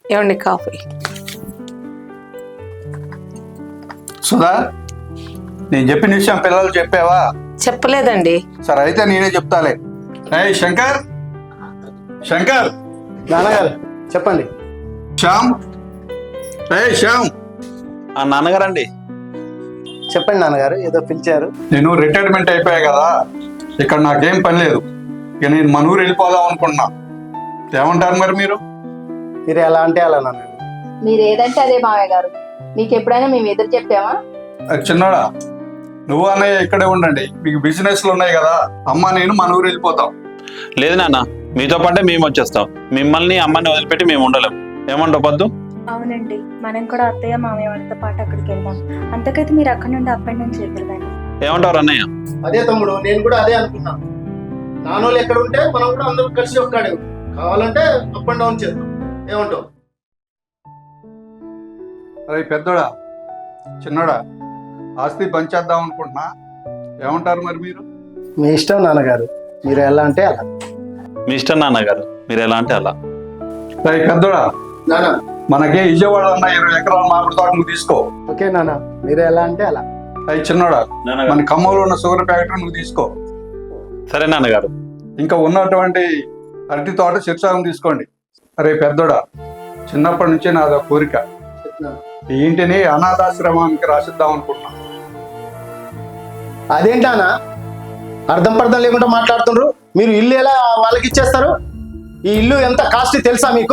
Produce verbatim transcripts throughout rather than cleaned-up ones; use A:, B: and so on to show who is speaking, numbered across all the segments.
A: ఏమండి కాఫీ.
B: సుధా, నేను చెప్పిన విషయం పిల్లలు చెప్పావా?
A: చెప్పలేదండి.
B: సరే అయితే నేనే చెప్తాలే. ఏయ్ శంకర్, శంకర్.
C: నాన్నగారు చెప్పండి.
B: శ్యామ్, ఏయ్ శ్యామ్.
D: ఆ నాన్నగారండి.
C: చెప్పండి నాన్నగారు, ఏదో పిలిచారు.
B: నేను రిటైర్మెంట్ అయిపోయా కదా, ఇక్కడ నాకేం పని లేదు. ఇక నేను మన ఊరు వెళ్ళిపోదాం అనుకుంటున్నా. ఏమంటారు మరి మీరు?
C: మీరు ఎలా అంటే అలా నాన్నగారు.
E: మీరు ఏదంటే అదే మావయ్య గారు. మీకు ఎప్పుడైనా మేము ఎదురు చెప్పామా?
B: అది చిన్నోడా, నువ్వు అన్నయ్య ఇక్కడే ఉండండి. మీకు బిజినెస్లు ఉన్నాయి కదా, అమ్మ నేను మన ఊరు వెళ్ళిపోతాం.
D: లేదు నాన్న, మీతో పాటే మేము వచ్చేస్తాం. మిమ్మల్ని అమ్మని వదిలిపెట్టి మేము ఉండలేం. ఏమంటావు పద్దు?
F: అవునండి, మనం కూడా అత్తయ్య మామయ్య వాళ్ళతో పాటు అక్కడికి వెళ్దాం. అంతకైతే మీరు అక్కడ నుండి అప్ అండ్ డౌన్ చేద్దరు కానీ.
D: ఏమంటారు అన్నయ్య?
C: అదే తమ్ముడు, నేను కూడా అదే అనుకున్నాను. నాన్నోళ్ళు ఎక్కడ ఉంటే మనం కూడా అందరూ కలిసి ఒక్కడే కావాలంటే అప్ అండ్ డౌన్ చేద్దాం. ఏమంటావు?
B: అరే పెద్దోడా, చిన్నోడా, ఆస్తి పంచేద్దాం అనుకుంటున్నా. ఏమంటారు మరి మీరు?
C: మీ ఇష్టం నాన్నగారు, మీరు ఎలా అంటే అలా.
D: మీ ఇష్టం నాన్నగారు, మీరు ఎలా అంటే అలా.
B: అరే పెద్దోడా,
C: నాన్న
B: మనకి విజయవాడ ఉన్న ఇరవై ఎకరాల మామిడి తోట నువ్వు తీసుకో.
C: ఓకే నాన్న, మీరు ఎలా అంటే అలా.
B: అయ్యి చిన్నోడా, మన ఖమ్మంలో ఉన్న షుగర్ ఫ్యాక్టరీ నువ్వు తీసుకో.
D: సరే నాన్నగారు.
B: ఇంకా ఉన్నటువంటి అరటి తోట శిర్షాగం తీసుకోండి. అరే పెద్దోడా, చిన్నప్పటి నుంచి నాది ఒక కోరిక, ఈ ఇంటిని అనాథాశ్రమానికి రాసిద్దాం అనుకుంటున్నా.
C: అదేంటానా అర్థం పర్థం లేకుండా మాట్లాడుతుండ్రు? మీరు ఇల్లు ఎలా వాళ్ళకి ఇచ్చేస్తారు? ఈ ఇల్లు ఎంత కాస్ట్ తెలుసా మీకు?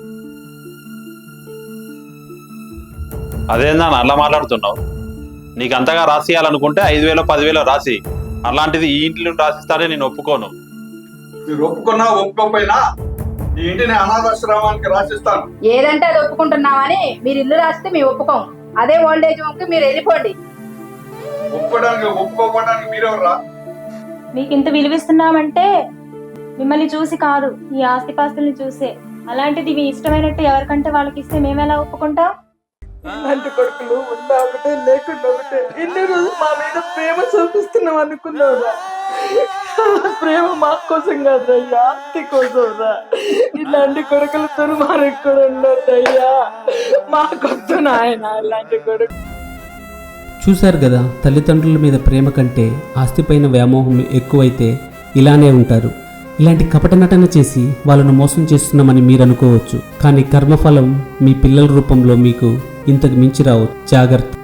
D: అదేందా అలా మాట్లాడుతున్నావు? నీకు అంతగా రాసియాలనుకుంటే ఐదు వేలు పదివేలు రాసి, అలాంటిది ఈ ఇంట్లో రాసిస్తానే నేను ఒప్పుకోను.
B: మీరు ఒప్పుకున్నా ఒప్పుకోకపోయినా ఈ ఇంటిని అనాథాశ్రమానికి రాసిస్తాను.
E: ఏదంటే అది ఒప్పుకుంటున్నామని మీరు ఇల్లు రాస్తే మేము ఒప్పుకోం. అదే ఓల్డ్ ఏజ్ హోమ్ కి మీరు వెళ్ళిపోండి.
B: ఒప్పుకోవడానికి ఒప్పుకోకపోవడానికి మీరెవరా?
F: మీకు ఇంత విలువిస్తున్నామంటే మిమ్మల్ని చూసి కాదు, ఈ ఆస్తిపాస్తుల్ని చూసే. అలాంటిది మీ ఇష్టమైనట్టు ఎవరికంటే వాళ్ళకి ఇస్తే మేము ఎలా ఒప్పుకుంటాం?
A: ఇలాంటి కొడుకులు ఉన్నా ఒకటే లేకుండా ఒకటే. ఇన్ని రోజులు మా మీద ప్రేమ చూపిస్తున్నాం అనుకున్నావురా. ప్రేమ మా కోసం కాదయ్యా, ఆస్తి కోసం రా. ఇలాంటి కొడుకులు తురుమానికి కూడా ఉండొద్దయ్యా. మాకొద్దు నాయన ఇలాంటి కొడుకు.
G: చూశారు కదా, తల్లిదండ్రుల మీద ప్రేమ కంటే ఆస్తిపైన వ్యామోహం ఎక్కువైతే ఇలానే ఉంటారు. ఇలాంటి కపట నటన చేసి వాళ్ళను మోసం చేస్తున్నామని మీరు అనుకోవచ్చు, కానీ కర్మఫలం మీ పిల్లల రూపంలో మీకు ఇంతకు మించి రావచ్చు. జాగ్రత్త.